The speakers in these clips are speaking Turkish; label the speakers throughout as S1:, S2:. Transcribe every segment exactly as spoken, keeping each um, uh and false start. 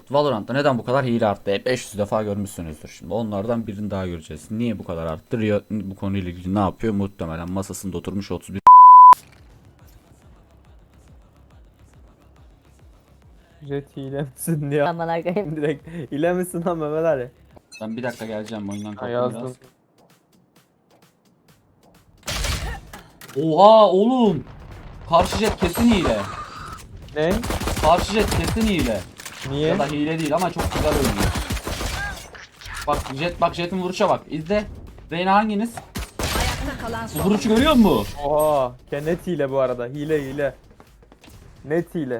S1: Valorant'ta neden bu kadar hile arttı? beş yüz defa görmüşsünüzdür şimdi. Onlardan birini daha göreceğiz. Niye bu kadar arttı? Riot bu konuyla ilgili ne yapıyor? Muhtemelen masasında oturmuş otuz bir
S2: Jet hile misin diyor.
S3: Aman arkayım.
S2: Direkt hile misin lan Mehmet Ali?
S1: Ben bir dakika geleceğim oyundan
S2: Ha,
S1: kalktım
S2: yazdım.
S1: biraz. Oha oğlum. Karşı jet kesin hile.
S2: Ne?
S1: Karşı jet kesin hile.
S2: Niye?
S1: Ya da hile değil ama çok güzel oynuyor. Bak jet bak jetin vuruşa bak. İzle. Reyna hanginiz?
S4: Ayakta kalan
S1: Bu
S4: son.
S1: vuruşu görüyor musun?
S2: Oha. Ya net hile bu arada. Hile hile. Net hile.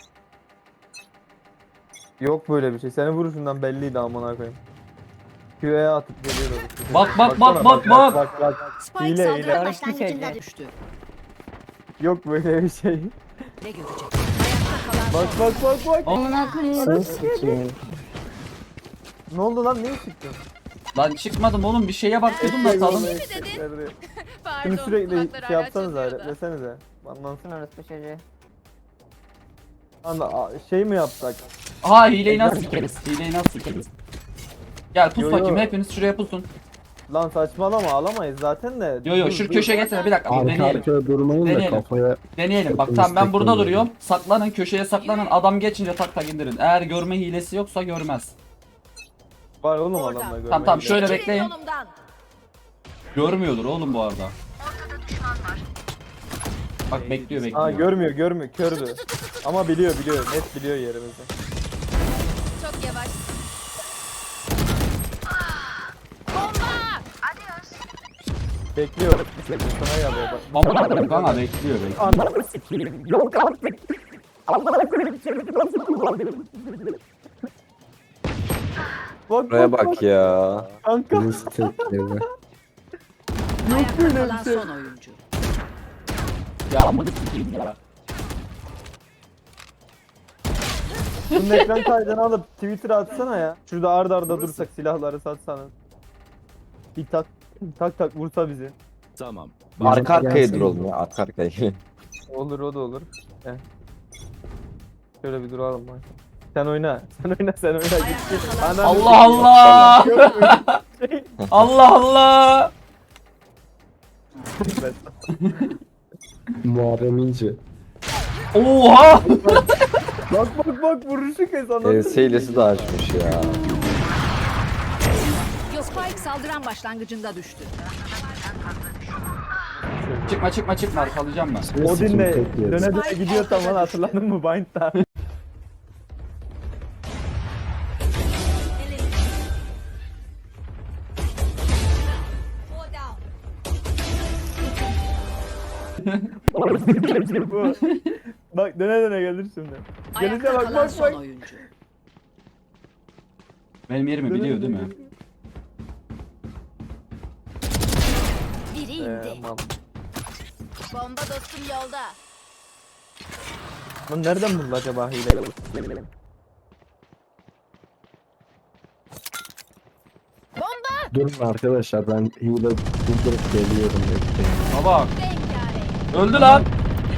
S2: Yok böyle bir şey. Senin vuruşundan belliydi amına koyayım. Q'ye atıp geliyordu.
S1: Bak, bak,
S2: Baksana,
S1: bak, bak,
S2: bak bak.
S4: Spike
S2: Hile,
S4: saldıran
S2: hile.
S4: başlangıcında
S3: Şey.
S4: düştü.
S2: Yok böyle bir şey.
S4: Ne görecek? Ayakta kalan
S2: Bak
S4: son.
S2: bak bak bak.
S3: Amına koyayım.
S2: Ne oldu lan? Niye çıktın?
S1: Lan çıkmadım oğlum bir şeye bak dedim da saldım.
S2: Şunu
S5: Pardon.
S2: sürekli
S5: kulakları
S2: şey
S5: hala
S2: yapsanıza,
S5: çınlıyor da.
S2: replesenize. Anlansın.
S3: Sen orası çocuğu.
S2: Anda a- şey mi yapsak?
S1: Aha hileyi nasıl sikeriz? Hileyi nasıl sikeriz? Gel pus
S2: Yo,
S1: bakayım
S2: yo.
S1: hepiniz şuraya pusun.
S2: Lan saçmalama alamayız zaten de.
S1: Yo yo
S2: Dur,
S1: şu
S2: dur.
S1: köşeye geçsene bir dakika dur,
S6: Arka
S1: deneyelim.
S6: arkaya durmayın da
S1: Deneyelim.
S6: kafaya
S1: Deneyelim bak tamam ben burada duruyorum. Saklanın köşeye saklanın adam geçince tak tak indirin. Eğer görme hilesi yoksa görmez.
S2: Var oğlum
S4: Oradan.
S2: adamla görmeyi.
S1: Tamam tamam şöyle
S4: Çekilin
S1: bekleyin.
S4: yolumdan.
S1: Görmüyordur oğlum bu arada. Bak bekliyor bekliyor.
S2: Aa görmüyor görmüyor kördü. Ama biliyor biliyor net biliyor yerimizi.
S5: Çok yavaş.
S2: Bekliyor. Sana geliyor bak.
S1: Ama kanka bekliyor bekliyor.
S2: Bak
S7: Buraya
S2: bak,
S7: bak ya.
S2: kanka.
S6: birisi tekledi.
S4: Ayakta
S2: böyle bir
S4: kalan
S2: şey.
S4: son oyuncu.
S1: Ya amına sikeyim ya.
S2: Bunun ekran kaydını alıp Twitter'a atsana ya. Şurada arda arda dursak silahları satsanız. Bir tak tak tak vursa bizi.
S8: Tamam.
S7: Arka arkaya
S6: Gelsin.
S7: duralım ya. Arka arkaya.
S2: Olur o da olur. Heh. Şöyle bir duralım bak. Sen oyna. Sen oyna sen oyna. Git. Ananı
S1: Allah Allah. Allah Allah.
S2: sikeyim.
S6: Muharrem İnce.
S1: Oha.
S2: Bak bak bak vuruşu kes anladın.
S7: E, seylesi de açmış ya.
S4: Spike saldıran başlangıcında düştü.
S1: Çıkma çıkma çıkma arkalayacağım ben.
S2: O dinle
S6: Tekledi.
S2: döne döne gidiyor tam lan hatırladın mı Bind'da? Bu. Bak döne döne gelir şimdi. Gelince
S4: Ayakta
S2: bak
S4: kalan
S2: bak
S4: son
S2: bak.
S4: oyuncu.
S1: Benim yerimi
S2: Döne
S1: biliyor
S2: döne
S1: değil mi?
S5: Biri
S2: Ee,
S5: indi.
S2: mal.
S5: Bomba dostum yolda.
S2: Lan nereden buldu acaba hile?
S6: Durun arkadaşlar ben hile durdurup geliyorum. bekleyin.
S1: Baba
S5: Rengarenk.
S1: öldü lan.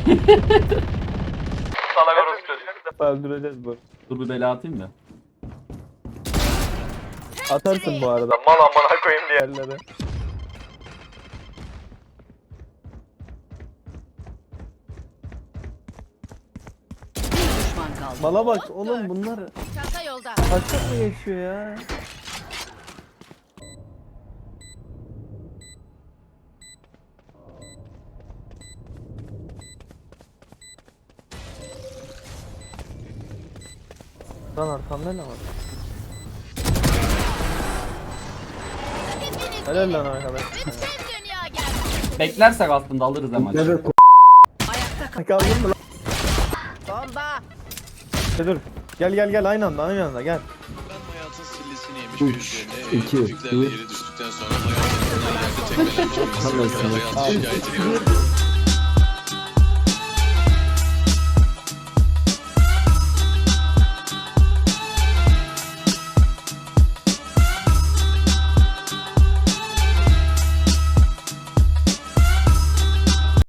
S2: Bir defa öldüreceğiz bu.
S1: Dur bir bela atayım da.
S2: Atarsın bu arada. Mal amına koyayım diğerleri.
S4: Bir düşman kaldı.
S2: Mala bak oğlum bunlar
S5: Çanta yolda.
S2: kaçak mı geçiyor ya? Lan arkamda ne var? Helal lan arkadaş.
S5: Bütün dünya geldi.
S1: Beklersek aslında alırız hemen.
S6: Evet.
S4: Ayakta kalan
S2: Kaldın mı lan?
S5: Bomba.
S2: Şey, dur. Gel gel gel aynı anda aynı anda gel.
S8: Ben hayatın sillesini yemiş
S6: Üç,
S8: bir
S6: iki,
S8: üzerine
S6: bir.
S8: yere düştükten sonra hayatından yerde tekmelenmiş birisinin
S6: Anlasın.
S8: hayat şikayetini görüyorum.